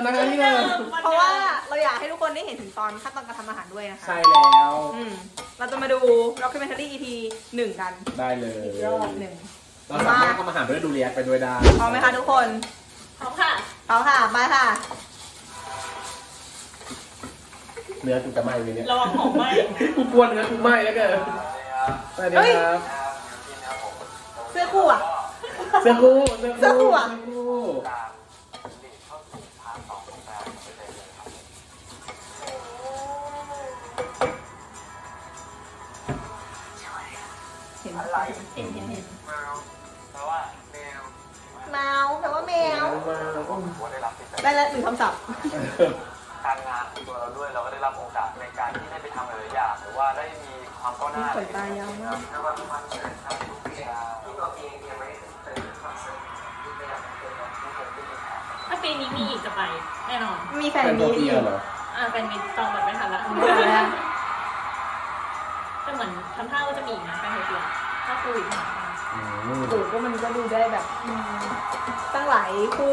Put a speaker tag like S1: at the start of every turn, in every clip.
S1: นะคะที่เดิม
S2: เพราะว่าเราอยากให้ทุกคนได้เห็นถึงตอนขั้นตอนการทำอาหารด้วยนะคะ
S1: ใช่แล้ว
S2: เราจะมาดู documentary EP 1 กัน
S1: ได้เลย
S2: อีกรอบหนึ่ง
S1: เราสามารถทำอาหารไปด้วยดูเรียกไปด้วยได้
S2: พร้อมไหมคะทุกคน
S3: พร้อมค่ะ
S2: พร้อมค่ะไปค่ะ
S1: เนื้อกูจะไหม้เลยเนี่ย
S3: ระวังหอมไหม
S1: กูกลัวเนื้อกูไหม้แล้วเกินสวัสดีครับ
S2: เสื้อคู่อ่ะ
S1: เสื้อคู่
S2: เสื้อคู่อะ
S1: เสื้อคู่
S2: เห็น
S3: เห็น
S4: แปลว่าแมว
S2: แมวแปลว่าแมว
S4: ว่าได้รับสิทธิ์
S2: ได้แล้ว1 คำศัพท์
S4: การงานของตัวเราด้วยเราก็ได้รับโอกาสในการที่ได้ไปทำหลายๆอย่างหรือว่าได้มีความก้าวหน้า
S2: ขนตายาวมาก
S4: ไม่ว่าทุกวันจะทำทุกอย่างที่เราเองยังไม่เคยทำสิ่งที่ไม่อยากเป็นที่ผมไม่มีแผน
S3: ถ้าปีนี้มีอีกจะไปแน่นอน
S2: มีแฟน
S1: เป็น
S2: มี
S1: ตัวเปียเหรอ
S3: แฟนมีจองแบบไม่ทันละ
S2: ไม่ทันแล้ว
S3: แต่เหมือนทำท่าว่าจะมีอีกนะแฟนเดียวถ้าคุยมา
S1: อืม
S2: โอ้ก็มันก็ดูได้แบบตั้งหลายคู่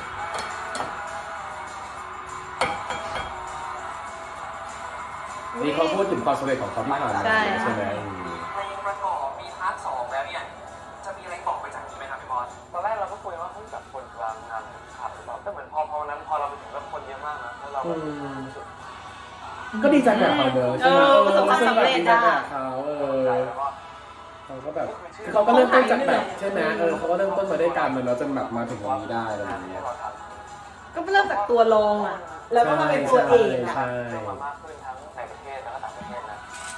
S1: นี่เขาพูดถึงความสำเร็จของเขาที่ผ่านมา
S2: ใช่
S1: ใช่ไหม
S4: เพลงประกอบมีพาร์ทสองแล้วเนี่ยจะมีอะไรบอกไปจากนี้ไหมครับพี่บอลตอนแรกเราก็คุยว่าเฮ้ยแบบคนกลางงานขับหรือเปล่าแต่เหมือนพอวันนั้นพอเราไปถึงแล้วคนเยอะมากนะแล้วเราก็รู้สึก
S1: ก็ดีใจแบบเขาเนอะใช่ไหม
S2: ประสบความสำเร็จ
S1: ดีใจ
S2: อะ
S1: แบบเขา
S4: ใจแล้วก็
S1: เขาก็แบบคือเขาก็เริ่มต้นจากแบบใช่ไหมเขาก็เริ่มต้นมาด้วยกันแล้วจนแบบมาถึงตรงนี้ได้อะไรอย่างเงี้ย
S2: ก็เริ่มจากตัวรองอ่ะ แล้วก็มาเป็นตัวเอกอ่ะ
S1: ใช่
S4: มากขึ้นทั้งในประเทศแล้วก็ต่างประเทศนะ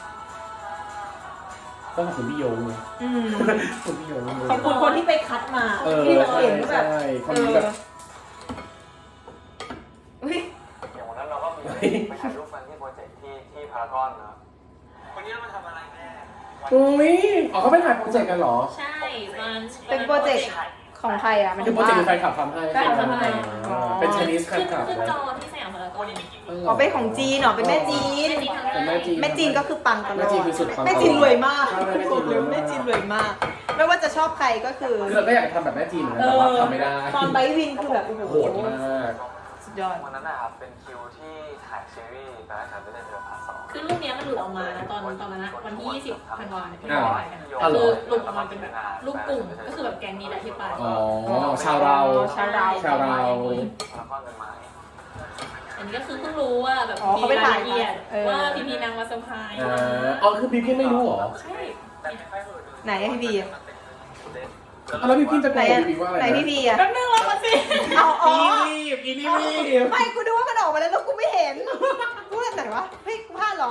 S1: ต้องขอบคุณพี่โยงเลย
S2: อืม
S1: คุณพี่โยงเลย
S2: ขอบคุณคนที่ไปคัดมา ที่แบบเห็นว่าแบบ
S1: ใช่คนนี้แบบ
S2: อุ๊ย
S4: อย่างวันนั้นเราก็มีไปถ่ายรูปกันที่โปรเจกต์ที่พารากอนนะคนนี้มาทำอะไรแม่
S1: อุ้ยอ๋อเขาไปถ่ายโปรเจกต์กันเหรอ
S3: ใช่มัน
S2: เป็นโปรเจกต์ของใครอ่ะมัน
S1: คือโปรเจกต์แฟนคลับทำให้
S2: แฟนคลับทำให้
S1: เป็น Chinese แฟ
S3: ขึ้
S1: น
S3: น
S1: คลับ
S3: ขึ้น
S1: นะ
S3: จอที่สยามพารากอน
S2: อ๋อเป็นของจีนเหรอเป็นแม่จีน
S1: เป็นแม่จีน
S2: แม่จีนก็คือปังตลอด
S1: แม่จีนคือสุดปัง
S2: แม่จีนรวยมาก
S1: ใช่แม่จีนรวยมาก
S2: แม่จีนรวยมาก ไม่ว่าจะชอบใครก็คือ
S1: คือเราก็อยากทำแบบแม่จีนเหมือนกันแต่ว่าทำไม่ได้
S2: ตอนไบวินคือแบบโอ้โห
S1: โหดมาก
S2: สุดยอด
S4: วันนั้นนะครับเป็นคิวที่ถ่ายซีรีส์แต่ละฉันไม่ได้เจอพาร์ทสอง
S3: คือรูปเนี้ยมันหลุดออกมาตอนนั้นนะวันที่20 ธันวาคมที่
S1: อ้าว
S3: ไปกัน
S1: อ้าวเหร
S3: คือ อหลุดออกมาเป็นรูปกลุ่มก็คือแบบแก๊งนี้แหละที่ไป
S1: อ๋อชาวเรา
S2: ชาวเรา
S1: ชาวเรา
S4: แล้วก็เงินไม้
S3: อันนี้ก็คือเพิ่งรู้ว่าแบบ
S2: อ๋อเขาไป
S3: มีราย
S2: ถ่าย
S3: ละเอียด
S2: เออ
S3: ว่าพี่พีนางมาเซอร์ไพรส์
S1: อ๋อคือพี่พี่ไม่รู้เหรอ
S3: ใช่
S4: แต่ไม่ค่อยเออ
S2: ไหนอะพี่บีอะ
S1: แล้วพี่พี่จะโก
S2: ไหน
S1: ง
S2: อะ
S1: พี่ว่าอะไร
S2: ไหน
S1: นะ
S2: พี่บีอะ
S3: แป๊บนึงรอมาสิ
S2: เอาอ๋อ
S1: อีนี่รีบ
S2: ไม่กูดูว่ามันออกมาแล้วแล้วกูไม่เห็นกูแบบไหนวะเฮ้ยกูพลาดเหรอ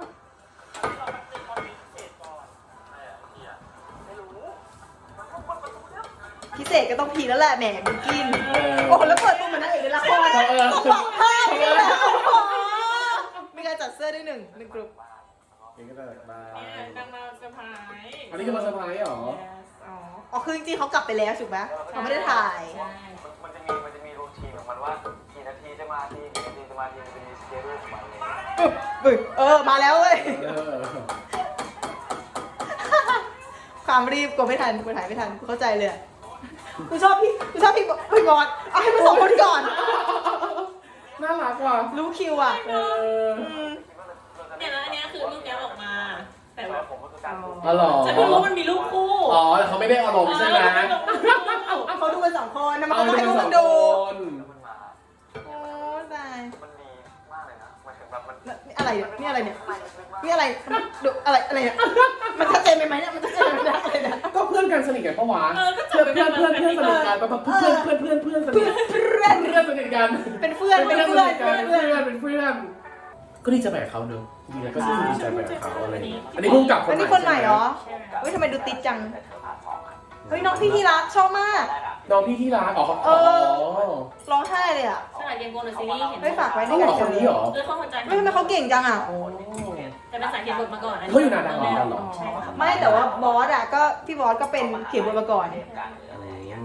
S2: พิเศษก็ต้องพีแล้วแหละแหมบิวกิน โอ้โหแล้วเปิดตัวเหมือนนางเอกในละครต้องบอกภาพนี่แหละมีการจัดเสื้อด้วยหนึ่งกลุ่ม
S1: นี่ก็จะมา
S3: เนี่ยนางมาเซอร์ไพรส์
S1: อันนี้คือมาเซอร์ไพรส์เหรอ
S2: อ๋อคือจริงๆเขากลับไปแล้วถูกไหมเขาไม่ได้ถ่าย
S4: มันจะมีรูทีนของมันว่ากี่นาทีจะมาทีกี่นาทีจะมาทีมันจะมีสเกจดูของมันเลย
S2: มาแล้วเว้ย
S1: เออ
S2: ความรีบกูไม่ทันกูถ่ายไม่ทันกูเข้าใจเลยอะกูชอบพี่บอสเอาให้มาสองคนก่อน
S1: น่ารักว่ะ
S2: รู้คิวอ่ะ
S1: เออ
S3: เนี่ยแล้วอันเนี้ยคือรูปเนี้ยออกมา แต่
S4: แต่
S3: ว่า
S4: ว่าผมก็คือการดู
S1: อ๋อเหรอ
S3: ฉันเพิ่งรู้ว่ามันมีรูปคู่
S1: อ๋อแต่เขาไม่ได้อารมณ์ใช่ไหม
S2: เขาดูกันสองคนนะมัน
S1: เอา
S2: ก็
S1: ไป
S2: ให้
S1: ดู
S2: ดู
S1: ส
S2: กั
S1: อน ง
S2: ดู
S1: คน
S4: มันมา
S2: โอ้ตาย
S4: มันดีมากเลยนะมันถึงแบบมัน
S2: นี่อะไรเนี่ยนี่อะไรเนี่ยนี่อะไรดูอะไรเนี่ยมันชัดเจนไปไหมเนี่ยมันชัดเจนไปไหมอะไรเนี่ย
S1: ก็เพื่อนกันสนิทกันปะวะ
S3: ก็
S1: เพื่อนสนิทกันปะเพื่อนสนิทกัน
S2: เพื่อน
S1: เพื่อนสนิทกัน
S2: เป็นเพื่อน
S1: เป็นเพื่อนก็ดีใจแบบเขาเนอะจริงๆก็ดีใจแบบเขาอะไรอันนี้พุ่งกลับคน
S2: อัน
S1: ใหม่
S2: นี้คนใหม่เหรอเฮ้ยทำไมดูติดจังเฮ้ยน้องพี่ที่รักชอบมาก
S1: น้องพี่ที่ร้านอ๋อ
S2: ร้องไห้เลยอ่ะ
S3: สลัดเกมโกนหรือซีรีส์เห็น
S2: เฮ้ยฝากไว้ใน
S1: เขา
S2: ก
S1: บ
S2: ระ
S1: อกค
S2: เป๋าน
S1: นี้เหรอ
S3: เขาคนใจ
S2: ไม่ทำไมเขาเก่งจังอ่ะ
S3: แต่เป็นสายเขียนบทมาก่อน
S1: เขาอยู่นาดาวเหมือนกันเหรอ
S3: ใช่ค่ะ
S2: ไม่แต่ว่าบอสอ่ะก็พี่บอสก็เป็นเขียนบทมาก่อน
S4: การอะไรอย่างเงี้ย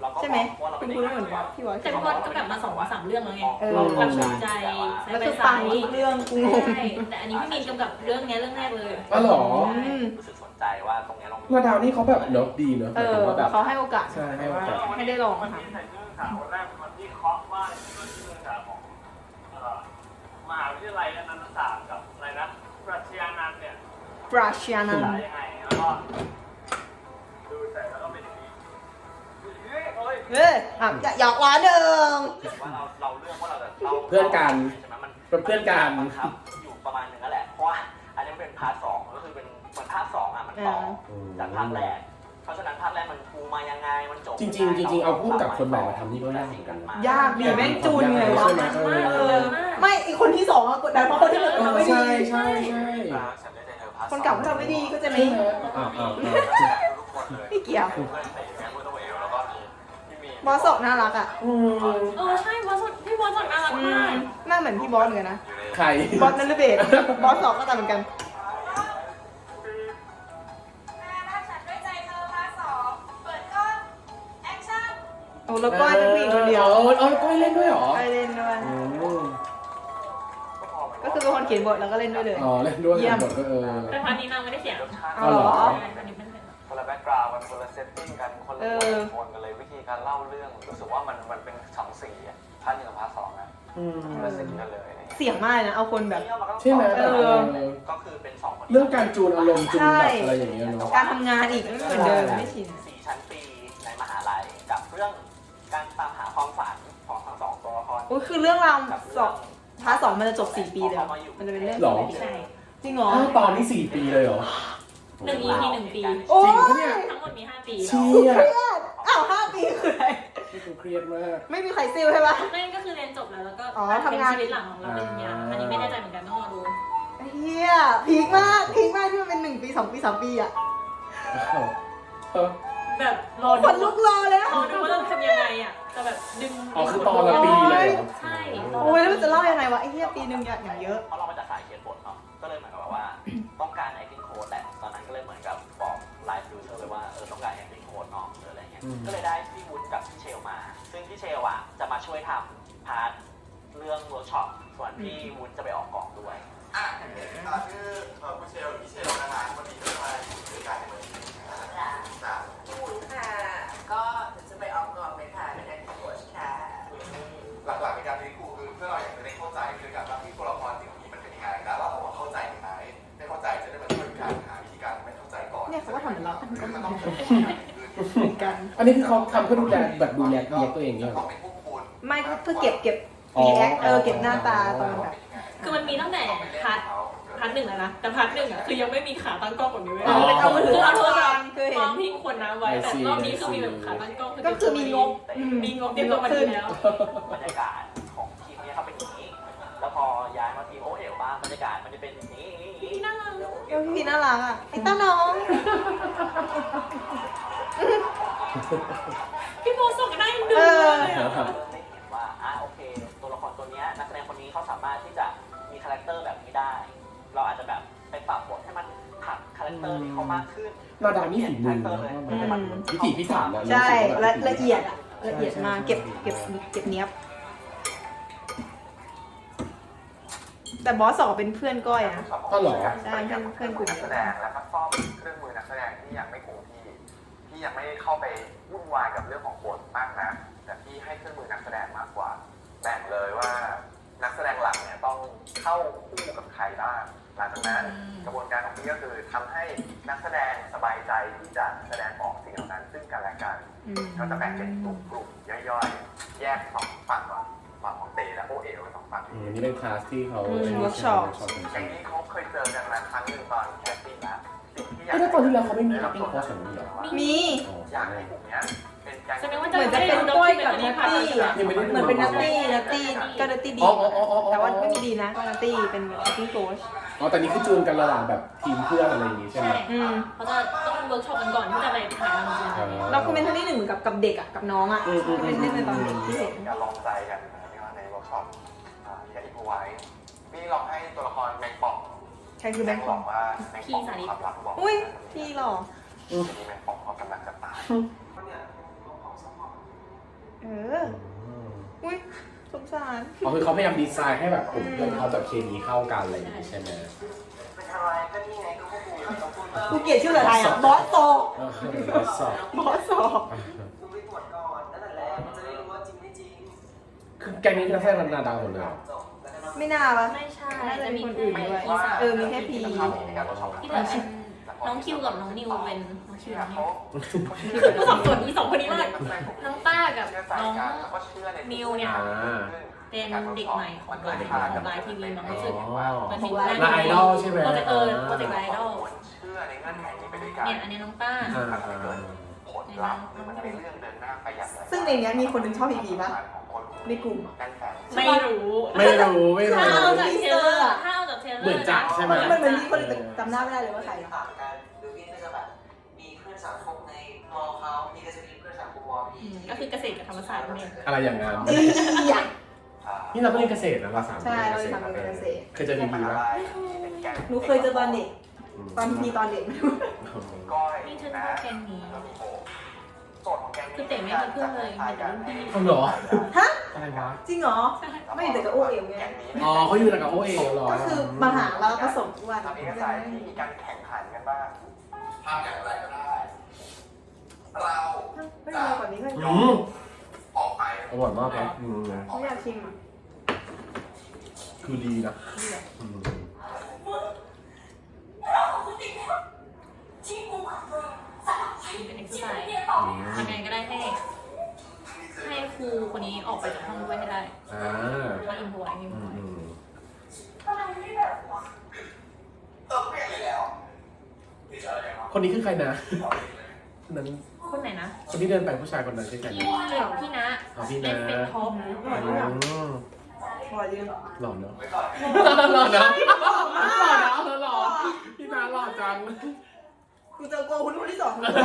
S4: เราก็
S2: ใช่ไหม
S4: ว่าเรา
S2: คุณ
S4: ไม่
S2: คุณ
S4: ได้
S2: เหมือนบอสพี่บอส
S3: แต่พี่บอสก็แบบมา2-3 เรื่องแล้วไง
S2: เรา
S3: แบบสนใจ
S2: แล้วคือฟังทุกเรื่องกูงง
S3: ใช่แต่อันนี้พี่มีนกำกับเรื่องเนี้ยเรื่องแรกเลย
S1: อ๋อเหรอ
S4: รู้สึกสนใจว่าตรงเนี้ยเรา
S1: นาดาวนี่เขาแบบเนอะดีเนอะห
S2: เอ
S1: มายถึ
S2: อง
S1: ว่าแบบ
S2: เขาให้โอกาส
S1: ใช่ให้โอกาส
S2: ไม่ได้ลอง
S4: วัน
S2: ค่ะ
S4: นี้ใส่เสื้อขาววันแรกเป็นวันที่เคาะว่าชื่อเสื้อขาวของมหาวิทยาลัยอนันตศาสตร์กับอะไรนะปรัชญานันท์เนี่ย
S2: ปราชญานัน
S4: สา
S2: ท์
S4: ยยังไงแล้วก็ดูเสร็จแล้วก็เป็นอย่างนี้เฮ้ยเฮ้ย
S2: เฮ้ยอ่ะหยอกล้อเดิม
S4: ว่าเราเลือกว่าเราจะเล่า
S1: เพื่อนกัน
S4: ใช่ไหมมัน
S1: เป็นเพื่อนกัน
S4: บังคับอยู่ประมาณนึงนั่นแหละเพราะว่าอันนี้มันเป็นพาร์ทสองก็คือเป็นเหมือนพาร์ทสองอ่ะมันต่อจากภาคแรกเพราะฉะนั้นภาคแรกมันปูมายังไงมันจบ
S1: จริงๆจริงๆเอาผู้กำกับคนใหม่มาทำนี่ก็ยากเหมือนกัน
S2: ยากดีแม่งจูนไงวะ
S1: ใช่ไหมเอ
S2: เอ
S1: อ
S2: อไม่อีกคนที่สองอะกดดันเพราะคนที่หนึ่งทำไม่ดี
S1: ใช่ใช่ใช่
S4: ฉันได้ใจเธอพาร์ท
S2: คนเก่าเขาทำไม่ดีก็จะไหม
S1: ใช่ไหมอ้าวอ้าวอ้าว
S4: ทุกคนเลย
S2: ไม่เกี่ยว
S4: เพื่อนเตะแมวตัวเอลแล้วก็มีพี่มี
S2: บอสสอกน่ารักอ่ะ
S1: อืม
S3: ใช่บอสพี่บอสสดน่ารักมาก
S2: หน้าเหมือนพี่บอสเหมือนกันนะ
S1: ใคร
S2: บอสนันลเบศบอสสอกก็ตามเหมือนกัน โอ้แล้วก้อยเป็นผู้หญิงคนเดียว
S1: อ๋อก้อยเล่นด้วยเหรอ
S2: ก้อยเล่นด้วย
S1: อืม
S2: ก็คือเป็นคนเขียนบทแล้วก็เล่นด้วยเลย
S1: อ๋อเล่นด้วย
S2: เยี่ยม
S1: บทก็
S3: แต่พาร์ทนี้นางไม่ได้เขียน
S2: เอาเหรอ
S3: อันนี้เป็น
S4: คนละแบ็กกราวด์กันคนละเซตติ้งกันคนละโทนกันเลยวิธีการเล่าเรื่องรู้สึกว่ามันเป็นสองสีอ่ะพาร์ทหนึ่งกับพาร์ทสองนะ
S1: อืม
S4: คนละสีกันเลย
S2: เสียงมากเลยนะ เอาคนแบบ
S1: ใช่ไหม
S2: เออ
S4: ก็คือเป็นสองคน
S1: เรื่องการจูนอารมณ์จูนแบบอะไรอย่างเงี้ยเนาะ
S2: การทำงานอีกไม่เหมือนเดิมไม่ชิน
S4: สี่ชั้นปีในมหาลัยกับเรื่องการตามหาความฝันของทั้งสองตัวละคร
S2: โอ้ยคือเรื่องราวสองพาร์ทสองมันจะจบ4 ปีเลยเหรอมันจะเป็นเรื่อง
S1: หรอ
S3: ใช่
S2: จริงเหรอ
S1: อ้าวตอนนี้4 ปีเลยเหรอ
S3: 1 EP 1 ปี
S2: โอ้
S1: จริ
S2: ย
S1: งปะเนี่ย
S3: ทั้งหมดมี5 ปี
S1: เชี่ย
S2: เครียดอ้าว5 ปีคืออะไร
S1: นี่กูเครียดมาก
S2: ไม่มีใครซิลใช่ปะ
S3: นั่นก็คือเรียนจบแล้วแล้วก็
S2: อ๋อทำงาน
S3: เป็นชีวิตหลังของเราเป็นยาอันนี้ไม่แน่ใจเหมือนกันต้องรอดู
S2: เฮียพีคมากพีคมากที่มันเป็น1 ปี 2 ปี 3 ปีอะ
S1: เออ
S3: แบบรอ
S2: ข
S3: ดู
S2: นลุกรอเลยอะ
S3: รอดูว่าเราทำยังไงอ่ะจะแบบดึง
S1: อ๋อคือตอนละปีเลยเหรอ
S3: ใช่
S2: โอ้ยแล้วมันจะเล่ายังไงวะไอ้เฮียปีหนึ่งอย่างเยอะ
S4: เพราะเรามาจากสายเขียนบทเนาะก็เลยเหมือนกับว่าต้องการ acting coach แหละตอนนั้นก็เลยเหมือนกับบอกไลฟ์ดูเซอร์เลยว่าต้องการ acting coach เนาะหรืออะไรเงี้ยก็เลยได้พี่วุฒิกับพี่เชลมา ซึ่งพี่เชลอ่ะจะมาช่วยทำพาร์ทเรื่องเวิร์กช็อปส่วนพี่วุฒิจะไปออกกองด้วย
S5: ชื่อคุณเชลหรือพี่เชลนะคะวันนี้จะมาด้วยกันในวันนี้จ้ะ
S6: พี่วุ้นค่ะ ก็เดี๋ยวจะไปออกกองเลยค่ะเป็นแอคทีฟโค้ชค่ะ
S5: หลักๆในการเรียนครูคือเพื่อเราอยากจะได้เข้าใจคือการรับที่ตัวละครสิ่งนี้มันเป็นยังไงแล้วเราบอกว่าเข้าใจถึงไหนไม่เข้าใจจะได้มาช่วยกันหาวิธีการไม่เข้าใจก่อน
S2: เนี่ยเขาก็ทำเหมือนเรา
S5: คือมันต้องเป็น
S2: เหมือนกัน
S1: อันนี้คือเขาทำเพื่อดูแลแบบดูแลเรียกตัวเองเนี่ยเหร
S5: ต้อ
S1: อง
S5: เป็นพวกคุณ
S2: ไม่เพื่อเก็บรีแอคเก็บหน้าตาตอนแบบ
S3: คือมันมีตั้งแต่พาร์ทหนึ่งแล้วนะแต่พาร์ทหนึ่งอ่ะคือยังไม่มีขาตั้งกล้องแบบนี้เว้ย
S2: แต่เอามือถือ
S3: คือ
S2: เอา
S3: เอา
S2: โท
S3: โท
S2: ร
S3: ร
S2: ศั
S3: ศั
S2: พ
S3: พ
S2: ท์
S3: ท์
S2: คือเห็
S3: วาน งที่คนนะไว้แต่รอบนี้คือมีแบบขาตั้งกล้อง
S2: ก็คือมีงบ
S3: มีงบเตรียมตัวมาดีแล้ว
S4: บรรยากาศของทีมนี้เขาเป็นอย่างนี้ แล้วพอย้ายมาทีมโอเอ๋วบ้างบรรยากาศมันจะเป็นอย่างนี้
S3: พี่น่ารัก
S2: พี่น่ารักอ่ะไอ้เต้าน้อง
S3: พี่โบส่งกันได้ดู
S2: เออ
S3: เลยอะ
S4: ได้เห็นว่าโอเค ตัวละครตัวนี้นักแสดงคนนี้เขาสามารถที่จะมีคาแรคเตอร์แบบนี้ได้ เราอาจจะแบบไปปรับบทให้มันผักคาแรคเตอร์ที่เขามากขึ้น
S1: นาดาวนี่ฝีมือนะมันพิถีพิถันนะ
S2: ใช่ละเอียดอะละเอียดมากเก็บเนี้ยบแต่บอสสองเป็นเพื่อนก้อยนะ
S1: ก็เหรอ
S2: ใช่เพื่อนกลุ่ม
S5: นักแสดงและก็ซ่อมเครื่องมือนักแสดงที่ยังไม่คงที่ยังไม่เข้าไปวุ่นวายกับเรื่องของบทมากนะแต่พี่ให้เครื่องมือนักแสดงมากกว่าแบ่งเลยว่านักแสดงหลักเนี่ยต้องเข้าคู่กับใครบ้างหลังจากนั้นกระบวนการของพี่ก็คือทำให้นักแสดงสบายใจที่จะแสดงออกสิ่งเหล่านั้นซึ่งกันและกันก็จะแบ่งเป็นกลุ่มย่อยๆแยกสองฝั่งก่อนฝั่งของเตและโอเอ๋วสองฝั่ง
S1: นี่เป็นคลาสที่เขา
S2: เวิร์กช็อป
S5: อย่างนี้เขาเคยเจอกันมาครั้งหนึ่งตอนแคสติ้งแล้วสิ่งที่อยาก
S1: แล้วตอนที่แล้วเขาไม่มี acting coach แบบนี้เหรอ
S2: มี
S5: อยากให้กลุ่มเนี้ยเป็นแก๊ง
S3: แสดงว่า
S2: เหมือนจะเป็นก้อยกับนัตตี้อะเหมือนเป็นนัตตี้ก็นัตตี้ดี แต่ว่าไม่มีดีนะก็นัตตี้เป็นแบบ acting coach
S1: อ๋อแต่นี่คือจูนกันระหว่างแบบทีมเพื่อนอะไรอย่างงี้ใช่ไหม
S3: เขาจะต้องเวิร์กช็อปกันก่อนที่จะไปถ่ายทำจริง
S2: เราคือเป็นท่าที่หนึ่งกับเด็กอ่ะกับน้องอ่ะเป็นเล่นเป็นตอนเด็กที่เห็น
S5: อย่าลองใจกันนะครับในเวิร์กช็อปอย่าอินพไว้พี่ลองให้ตัวละครแมงป่อง
S2: ใครคือแบงค์
S5: บอกว่าแมงป่องความรักบอก
S2: อุ้ยพี่หล่อ
S5: ทีนี้แมงป่องเขากำลังจะตาย
S2: อุ้ยสงสาร
S1: อ๋อคือเขาพยายามดีไซน์ให้แบบกลุ่มเพื่อนเขาแบบเคมีเข้ากันอะไรอย่างงี้ใช่ไหม
S6: เป็นอะไรก็นี่ไงก็พวกกูต้องพูดมา
S2: กูเกลียดชื่ออะไรอ่ะบอสโต
S1: สอบบ
S2: อสโต
S6: มึงไปตรวจก่อนนั่นแหละมันจะได้รู้ว่าจริงไม่จริง
S1: คือแกงนี้คือนักแสดงนาดาวหมดเลยเหรอ
S6: จบแล้วก็
S2: ไม่น่าปะ
S3: ไม่ใช่
S2: น่าจะ
S3: จะ
S2: มี
S3: มี
S2: คนอื่นด้วย
S3: พี่สาว
S2: มีแค่พี
S3: ที่เหลือเป็นน้องคิวกับน้องนิวเป็นน้องคิวน้องนิวกูสับสนอีสองคนนี้มากน้องต้ากับน้องนิวเนี่ย เป็นเด็กใหม่ของไลน์ทีวีมันรู้สึกมันเป็น
S1: ไลน์ไอดอลใช่ไหม
S3: โปรเจกต์โปรเจกต์ไลน์ไอดอล
S5: เชื่อในเงื่อนไขนี้ไปด้วยกัน
S3: เนี่ยอันนี้น้องต้า
S5: ผลลัพธ์หรือมันจะเป็นเรื่องเดินหน้าไปอย่างไร
S2: ซึ่งในเนี้ยมีคนหนึงชอบพีพีปะในกลุ่ม
S5: กันแฝง
S3: ไม่รู้
S1: ไม่รู้
S3: ถ้าเอาจากเทรลเลอร์ถ้าเอาจากเทรลเลอร์
S1: เหมือนจักใช่ไหม
S2: มันเหมือนมีคนหนึงแต่จำหน้าไม่ได้เลยว่าใคร
S6: ต่างกันดูพี่ก็จะแบบมีเพื่อนสังคมในมอเขาพี่ก็จะมีเพื่อนสังคมมอพี่
S3: ก็คือเกษตรกับธรรมศาสตร์นั่นเอง
S1: อะไรอย่างนั้น
S2: อยาก
S1: นี่เราก็เรียนเกษตรนะเราสาม
S2: ใช่
S1: เรียน
S2: เรา
S1: เกษ
S2: จะ
S1: ตร
S2: ทำเป็นเกษตร
S1: เคยเจอพีพีปะ
S2: หนูเคยเจอตอนเด็ก ตอนพีตอนเด็ก
S5: ก้อย
S3: นี่ฉัน
S5: นะ
S3: ชอบแกงนี้
S5: แล้วมีโบโจทย์ของแกง
S3: คือเต๋ไม่มีเพื่อนเลยมีแต่รุ่นพี่
S1: เขาเหรอ
S2: ฮะ
S1: อะไรวะ
S2: จริงเหรอ ไม่เห็นแต่กับโอเอ๋วไง
S5: แกงนี้
S1: อ๋อเขาอยู่กับโอเอ๋เหรอ
S2: ก็คือมาหาแล้วผสมอ้วน
S5: ทำเอกสารที่มีการแข่งขันกันบ้างทำอย่างไรก็ได้ เรา
S2: ไม่ได้กว่านี้เลย
S5: ออกไป
S1: อร่อยมากครับ
S2: ไม่อยากชิมอ่ะ
S1: คือดีนะอืม
S3: เป็นเอ็กซ์ไซส์ทำยังไงก็ได้ให้ครูคนนี้ออกไปจากห้องด้วยให้ได้
S1: อ่า
S3: ว่าอินพไว้อินพ
S1: อืม
S3: ไว้
S1: อืม
S5: เปลี่ยนเลยแล้ว
S1: คนนี้คือใครนะนั้น
S3: คนไหนนะ
S1: คนที่เดินไปผู้ชายคนนั้นคือใคร
S3: พี่
S1: นะ
S3: พี่นะ
S1: อ๋อพี่นะ
S3: เล่นเป็นท็อป
S2: พอดี
S1: หล่อเนอะหล่อเนอะหล่อพี่นาหล่อจัง
S2: กูเจอโกคุณคนที่สองเลย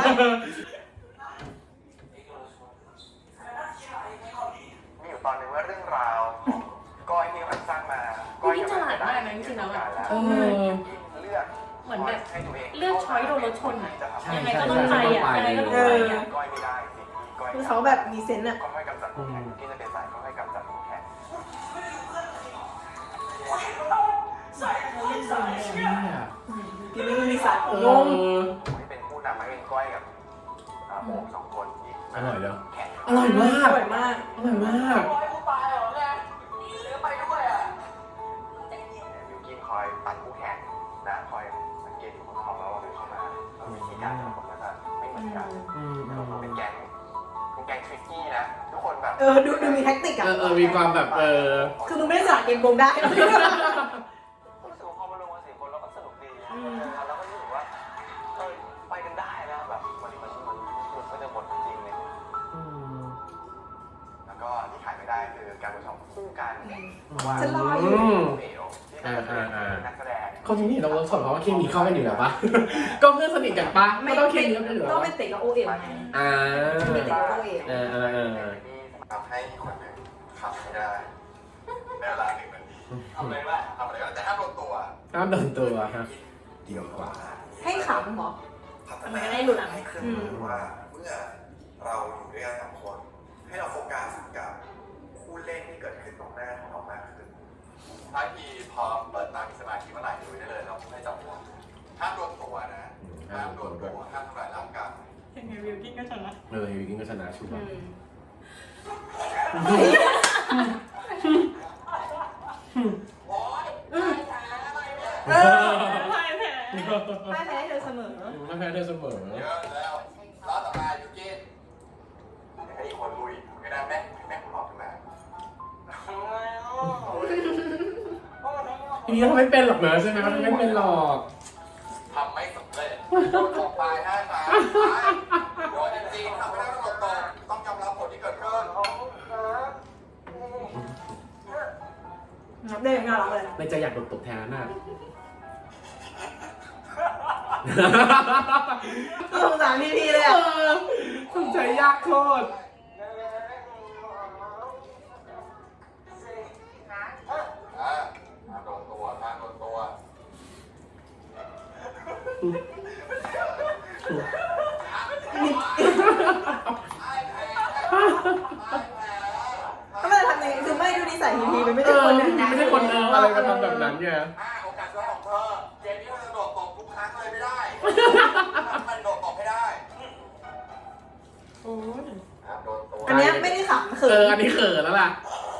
S5: มีอยู่ตอนหนึงว่าเรื่องราวของก้อยที่มันสร้างมาก้อย
S3: พี่ฉลาดมากนะจริงๆแล้วอะ
S5: เลือก
S3: เหมือนแบบ
S5: ให้ตัวเอง
S3: เลือกช้อยโดนรถชนอะ
S1: ใช่
S3: ยังไงก็ต้องไปอ่ะยังไงก็ต้องไปอ่ะ
S5: ก้อยไม่ได้สิ่งที่ก้อย
S2: คือเขาแบบมีเซนส์อ่ะ
S5: ก็ให้กำจัดคู่แข่งที่จะเป็นสายก็ให้กำจัดคู่แข่ง
S2: กินไม่มีสัตว์
S1: เอง
S2: ง
S5: ที่เป็นผู้นำให้เป็นก้อยกับโบสองคนที่
S1: อร่อยเนอะ
S5: แข่ง
S1: อร่อยมา
S2: อก ร่อยมาก
S1: อร่อยมาก
S6: กูตายเหรอเนี่ยหรือไปด้วยอ่ะ
S5: ยูกินคอยตัดคู่แข่งนะคอยสังเกตอยู่บนห้องแล้วว่าเข้ามาวิธีการของผมก็จะไม่เหมือนกัน เป็นแก๊งทริกกี้นะ ทุกคนแบบ
S2: ดูมีแท็กติกอ่ะ
S1: มีความแบบ
S2: คือมึงไม่ได้สอนเกมโกงได้
S5: รู้สึกว่าพอมาลงมา4 คนเราก็สนุกดีแล้วก็รู้สึกว่าไปกันได้นะแบบมันก็จะหมดจริงเลยแล้วก็ที่ขายไม่ได้คือการประชมคู่กันว่า
S2: ฉันรออยู่
S5: เอ๋วที่เป็นนักแสดง
S1: เขาจริงๆเราสอนเพราะว่าเคมีเข้ากันอยู่แล้วปะก็เพื่อนสนิทกันปะไม่ต้องเคมีกันอยู่แล้ว
S2: ต้องเป็นเตะกับโอเอ๋วไง
S1: อ่า
S2: มีเตะกับโอเอ๋ว
S5: ทำให้คนหนึ่งขับไม่ได้ในเวลา1 นาทีทำอะไรก็ได้แต่ห้ามโดนตัว
S1: ห้ามโดนตัวฮะเดียวกว่า
S2: ให้ขำเหรอ
S3: มันก็ได้หลุดอ่ะ
S5: ให้เครื่องมือว่าเมื่อเราอยู่ด้วยกัน2 คน ให้เราโฟกัสกับคู่เล่นที่เกิดขึ้นตรงหน้าของเรามากขึ้นถ้าทีพอเปิดตามีสมาธิเมื่อไหร่ดูได้เลยเราไม่จับหัวห้ามโดนตัวนะห้ามโดนตัวห้ามทำร้ายร่างกาย
S3: ยังไงวิวกิ้งก็ชนะ
S1: วิกินก็ชนะชัวร์
S3: พ่ายแพ้
S2: ไม่แพ้เธอเสมอ
S1: ไม่แพ้เธอเสมอ
S5: เยอะแล้วล้อต่อมาอยู่กินไอ้คนลุยไม่ได้แม่ผมหลอกขึ้นมา
S1: ทีนี้เขาไม่เป็นหรอกเนอะใช่ไหมเขาไม่เป็นหรอก
S5: ทำไม่สำเร็จโดนตกปลาย5 ครั้งโดนจริงๆทำไม่ได้ต้องตกต้องยอมรับผลที่เกิดขึ้น
S2: นับได้ยังน่ารักเลย
S1: ในใจอยากโดนตบแทนน่ะ
S2: สงสารพี่เลยอ่ะ
S1: สนใจยากโคตร
S5: โดนตัวโดนตัว
S2: ถ้ามันจะทำยังไงคือไม่ดูนิสัยพีมันไม่
S1: เอ
S2: ใช่
S1: อ
S2: คน
S1: พี่ไม่ใช่คนอะไรมาทำแบบนั้นไง
S5: โอกาสช่วยของเธอเกมนี้มันจะโดดตบทุกครั้งเลยไม่ได้มันโดดตบให้ได้
S3: โอ้ย
S5: โดนตัว
S2: อันเนี้ยไม่ได้ขำเขิ
S1: อันนี้เขินแล้วล่ะ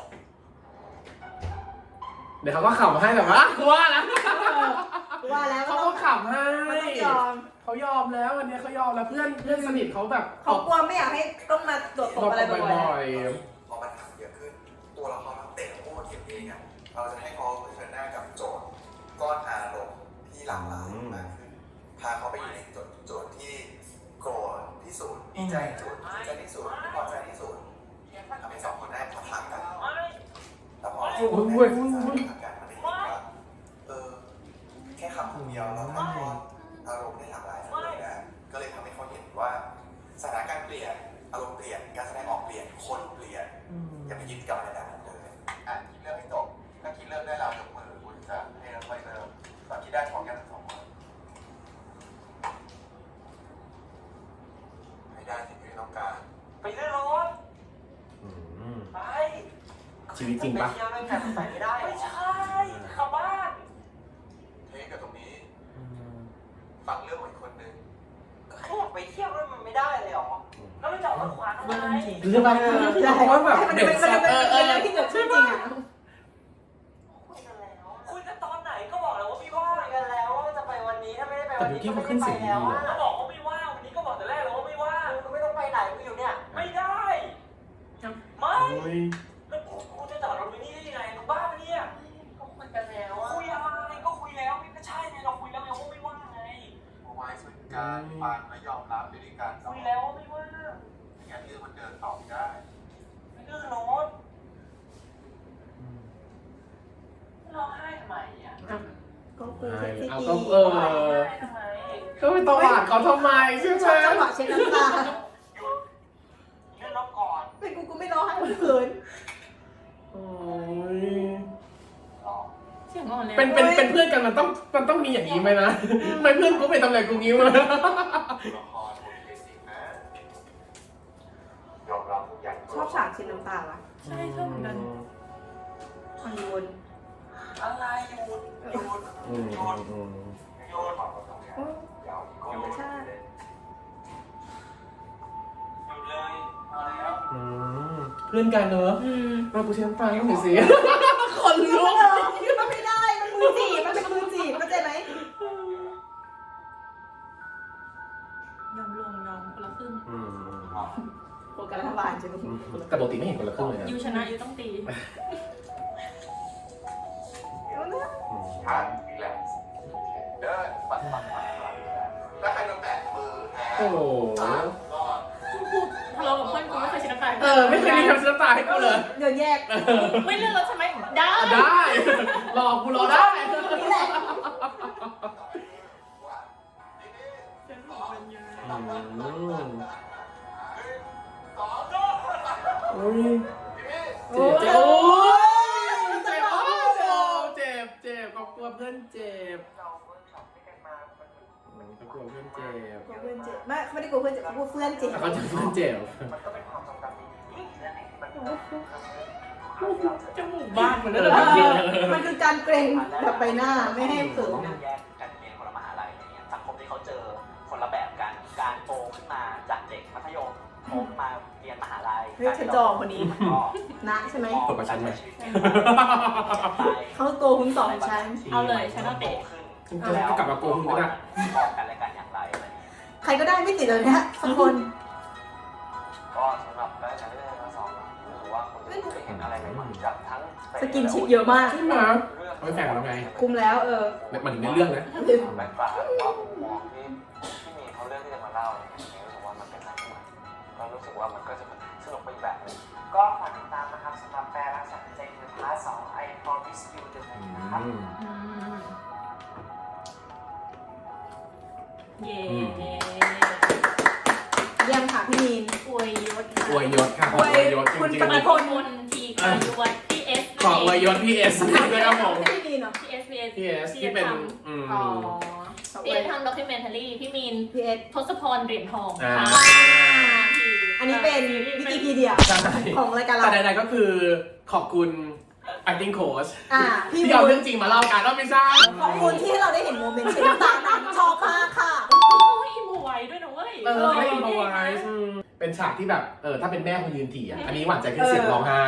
S1: เดี๋ยวเขาก็ขำให้แต่ว่ากูว่าแล้ว
S2: ว่าแล้ว
S1: เขาก็ขำให้
S2: มันต้องยอม
S1: เขายอมแล้วอันนี้เขายอมแล้วเพื่อนสนิทเขาแบบ
S2: เขากลัวไม่อยากให้ต้องมาตรวจตบอะไรบ่อย
S1: บ่อย
S5: พอมันทำเยอะขึ้น ตัวละครทั้งเตะและโอ้เกมเองอ่ะเราจะให้เขาเผชิญหน้ากับโจทย์ก้อนอารมณ์ที่หลากหลายมากขึ้นพาเขาไปอยู่ในโจทย์ที่โกรธที่สุดดีใจที่สุดดีใจที่สุดไม่พอใจที่สุดทำให้สองคนได้ปะทะกันแต่พอสองคนได้ปะทะกันมันได้เห็นว่าแค่คำคำเดียวเราถ่ายทอดอารมณ์ได้หลากหลายเลยนะก็เลยทำให้เขาเห็นว่าสถานการณ์เปลี่ยนอารมณ์เปลี่ยนการแสดงออกเปลี่ยนคนเปลี่ยนอย่าไปยึดกับอะไรแบบนั้นเลยคิดเรื่องให้จบถ้าคิดเรื่องได้แล้วยกมือคุณจะให้เราค่อยเริ่มตอนคิดได้พร้อมกันทั้งสองคนให้ได้สิ่งที่ต้องการ
S6: ไปเรื่อยรถ
S1: ๆ
S6: ไป
S1: ชีวิตจริงปะ
S6: ไปเที่ยวด้วยกันใส่ไม่ได้ไม่ใช่เข้าบ้าน
S5: เทคกับตรงนี้ฟังเรื่องของอีกคนนึง
S6: แค่อยากไปเที่ยวด้วยมันไม่ได้เลยเหรอแล้วไม่จอดรถขวางทำไม
S1: หรือเปล่าเพราะว่าแบบ
S2: มัน
S1: เด็ก
S2: เป็น
S1: สัตว์
S2: เรื่องที่เกิดขึ้นจริงอ่ะ
S6: คุยกันแล้วคุยกันตอนไหนก็บอกแล้วว่าไม่ว่างคุยกันแล้วว่าจะไปวันนี้ถ้าไม่ได้ไป
S1: แต่
S6: วัน
S1: บิว
S6: นี้
S1: กี้
S6: ก็
S1: เขา
S6: ไม่
S1: ขึ้น
S6: ได้
S1: เสี
S6: ไป
S1: ยงดี
S6: แล้ว
S1: เหรอ
S6: ก็บอกว่าไม่ว่างวันนี้ก็บอกแต่แรกแล้วว่าไม่ว่างก็ไม่ต้องไปไหนกูอยู่เนี่ยไม่ได้ไม่
S1: โอ้ย
S6: แล้วกูจะจอดรถไว้นี่ได้ยังไงมึงบ้าปะเนี่ยก็คุยกันแล้วคุยอะไรก็คุยแล้วไม่ใช่ไงเราคุยแล้วไงว่าไม่ว่างไง
S5: เอาไว้ส่วนการฟังและยอมรับด้วยกัน
S6: คุยแล้วว่าไม่ว่าง
S5: งานเรื่องมันเดินต่อไม่ได้
S6: ไม่ดื้อโน้ตร้องไห้ทำไมอ่ะ
S2: ก็คือเซ็กซี่
S1: เอา
S2: ดี
S1: ก็
S6: ร้องไห้ทำไม
S1: ก็ไปตวาดเขาทำไมใช่ไหม
S2: ชอบจังหวะเช็ดน้ำตา
S6: เลื่อนรถก่อน
S2: เป็นกูไม่ร้องไห้กูเขิน
S1: โอ้ย
S3: เสียงอ่อนแล้ว
S1: เป็นเพื่อนกันมันต้องมีอย่างนี้ไหมนะไม่เพื่อนกูไปทำอะไรกูงี้มา
S5: ละครโอเคจริงนะยอมรับทุกอย่าง
S2: ชอบฉากเช็ดน้ำตาว่ะ
S3: ใช่ชอบเหมือนกัน
S2: ฮอลลีวูด
S6: อะไรหยุดหยุด
S1: อืม
S6: หยุด
S1: อืม
S6: หยุด
S2: ธรรมชาติ
S6: หยุดเลยเอาแล้ว
S1: อืมเพื่อนกันเนอะ
S2: อืม
S1: เรากูเชื่อฟังหน่อยสิคนลุก
S2: มันไม่ได้ มันมือจีบ มันเป็นมือจีบเข้าใจไหม
S3: ยอมลงยอมคนละครึ่ง
S1: อืม
S2: โปรแกรมรัฐบาลใช่ไหม
S1: แต่ปกติไม่เห็นคนละครึ่งเลยนะ
S3: ยูชนะยูต้องตี
S5: ทันอีกแล้วเดินปัดแล้วใครโดนแตะมือแพ้
S1: โอ้โห
S5: รอด
S3: กูทะเลาะกับเพื่อนกูไม่เคยชนะใคร
S1: ไม่เคยมีคำเสียตาให้กูเลย
S2: เดินแยก
S3: ไม่เลือกรถใช่ไหมได้
S1: ได้รอกูรอได้
S2: นี่แหละ
S1: อุ้ย
S2: โอ้
S1: เจ็บ
S2: ย
S1: โอ้ยเจ็บโอ้ยเจ็บก็กลัวเพื่อนเจ็บ
S6: เราเวิร์กช็อปด้วยกันมามัน
S1: ก็กลัวเพื่อนเจ็บ
S2: กลัวเพื่อนเจ็บไม่ได้กลัวเพื่อนเจ็บกลัวเพื่อนเจ็บ
S1: แต่เขาจะเพื่อนเจ็บ
S6: มันก็เป็นความทรงจำดีๆนั่นเองที่มัน
S3: จมูกบ้านเหมือนเดิม
S2: มันคือการเกรงแบบใบหน้าไม่ให้เขิน
S4: แยกกันเรียนคนละมหาลัยอะไรเงี้ยสังคมที่เขาเจอคนละแบบกันการโตขึ้นมาจากเด็กมัธยมโตขึ้นมาเรียนมหาลัย
S2: เฮ้ยฉันจองคนนี้
S4: มันก็
S2: นะใช่ไหม
S1: ตบกับฉันไหม
S2: เขาโตคุณสอนฉัน
S3: เอาเลยฉันเอาเตะ
S1: ฉันจะกลับมาโกงคุณก็ได้
S4: มองกันและกันอย่างไรอะไรเงี้ย
S2: ใครก็ได้ไม่ติดเลยนะสักคน
S4: ก็สำหรับได้ใช้ได้ทั้งสองรู้สึกว่าคนได้เห็นอะไรใหม่ๆจากทั้ง
S2: สกินชิปเยอะมาก
S1: ใช่ไหมไม่แฝงแล้วไง
S2: คุมแล้ว
S1: มันถึงในเรื่องนะ
S4: แบ็คกราวด์ว่ามุมมองที่มีเขาเรื่องที่จะมาเล่าเนี่ยรู้สึกว่ามันเป็นอะไรที่ใหม่ก็รู้สึกว่ามันก็จะสนุกไปอีกแบบนึง
S6: ก็ฝากติดตามนะครับสำหรับแปลรักษาใจในพาร์ท2 I Promise You the Moon นะครับ
S3: เย่
S2: เยี่ยมค่ะพี่มีน
S3: อวยยศ
S1: อวยยศค่ะขออวยยศจ
S2: คุณ
S1: ริง
S2: ป
S3: มา
S2: ฏิ
S3: โคนมนทีค่ะยศพี่เอส
S1: ๆขออวยยศพี่เอสด้วยครับผม
S2: ไม่มีนเหรอ
S3: พี่เอสพี่เอส
S1: พี่เอสที่เป็น
S2: อ๋อ
S3: พี่เอสทำด็อกิเมนทารี่พี่มีน
S2: พี่เอส
S3: ทศพรเหรียญทอง
S1: อ่า
S3: ค่ะ
S2: อันนี้เป็นวิกิพีเดีย
S1: ใช่
S2: ของรายการเรา
S1: แต่ใดๆก็คือขอบคุณ acting coach
S2: พี่
S1: ที่เอา
S2: วุ้
S1: เรื่
S2: น
S1: องจริงมาเล่ากันว่าไม่ใช่
S2: ขอบคุณที่ให้เราได้เห็นโมเมนต์เช็ดน้ำตานั้นชอบมากค่ะ
S3: เขาให้อิมโพไว้ด้วยนะเว้ย
S1: ให้อินโฟไวส์เป็นฉากที่แบบถ้าเป็นแม่คนยืนถี่อ่ะอันนี้หวานใจขึ้นเสียงร้องไห้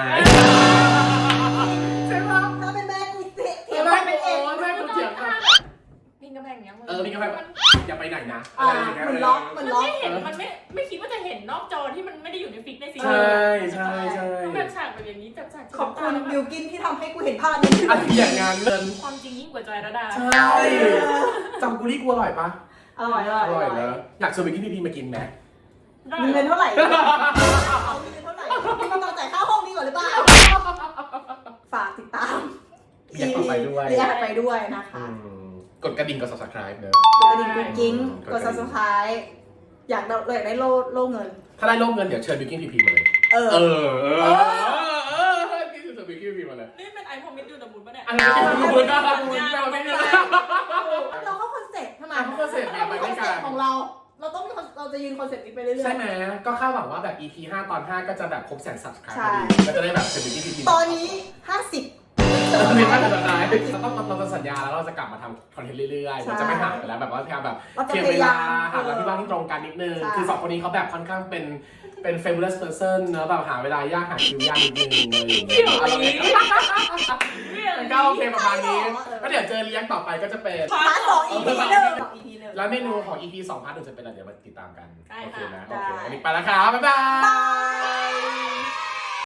S1: ใช่ปะ
S2: ถ้าเป็นแม่กูเถียง
S1: แม่
S2: เป็นเอง
S1: แม่กูเถียงกัน
S3: พิงกำแพงเนี้ยมึง
S1: มีกาแฟอย่าไปไหนนะ
S2: เหมือนล็อกเหมือนล็อก
S3: ไม่เห็นมันไม่คิดว่าจะเห็นนอกจอที่มันไม่ได้อยู่ในฟิกในซีรี
S1: ใช่
S3: ส์
S1: ใช่ใช่
S3: แบบฉากแบบอย่างนี้จับฉาก
S2: ขอบคุณบิวกินที่ทำให้กูเห็นภาพนี้
S1: อันที่อย่างงานเงิน
S3: ความจริงยิ่งกว่าจอยระดา
S1: ใช่จำกุลี่กูอร่อยปะ
S2: อร่อย
S1: อร่อยนะอยากชวนไปกินพีมากินไหม
S2: มีเงินเท่าไหร่เอามีเงินเท่าไหร่มีเงินต้องจ่ายค่าห้องนี้ก่อนหรือเปล่าฝากติดตาม
S1: อยากต่อไปด้วย
S2: อยากไปด้วยนะคะ
S1: กดกระดิ่งกด subscribe เนอะ
S2: กดกระดิ่งกุ๊กกิ้งกด subscribe อยากได้โล่เงิน
S1: ถ้าได้โล่เงินเดี๋ยวเชิญบิวกิ้นพีมาเลยนี่คือบิวกิ้นพีมาเลย
S3: นี่เป็นไอพอมิดดูแต่บุญปะเนี่ย
S1: อันนี้คือบุญนะบุญเราไม่ได้
S2: เราเข้าคอนเซ็ปต์ทำไม
S1: เข้าคอนเซ็ปต์เนี่ยไปด้วยกัน
S2: คอนเซ็ปต์ของเราต้องมีเราจะยืนคอนเซ็ปต์นี้ไปเรื่อยๆ
S1: ใช่ไหมก็คาดหวังว่าแบบ EP 5 ตอน 5 ก็จะแบบครบ100,000 subscribe
S2: ใช่
S1: ก็จะได้แบบเชิญบิวกิ้นพี
S2: ตอนนี้ 50
S1: เราไม่ได้สุดท้ายเราจะสัญญาแล้วเราจะกลับมาทำคอนเทนต์เรื่อยๆเราจะไม่ห่างไปแล้วแบบว่าพยายามแบบเทียบเวลาหาเวลาที่ว่างที่ตรงกันนิดนึงคือ2คนนี้เขาแบบค่อนข้างเป็น famous person เนอะแบบหาเวลายากหาคิวยากนิดนึงอะไรอย่างเงี้ยมันก็โอเคประมาณนี้ก็เดี๋ยวเจอเลี้ยงต่อไปก็จะเป็น
S2: พาร์ท2 EP 1
S1: แล้วเมนูของ EP 2 พาร์ท 1จะเป็นอะไรเดี๋ยวมาติดตามกัน
S3: ได้
S1: โอเค
S3: ค่ะ
S1: นะโอเควันนี้ไปแล้วครับบ๊ายบาย
S2: บาย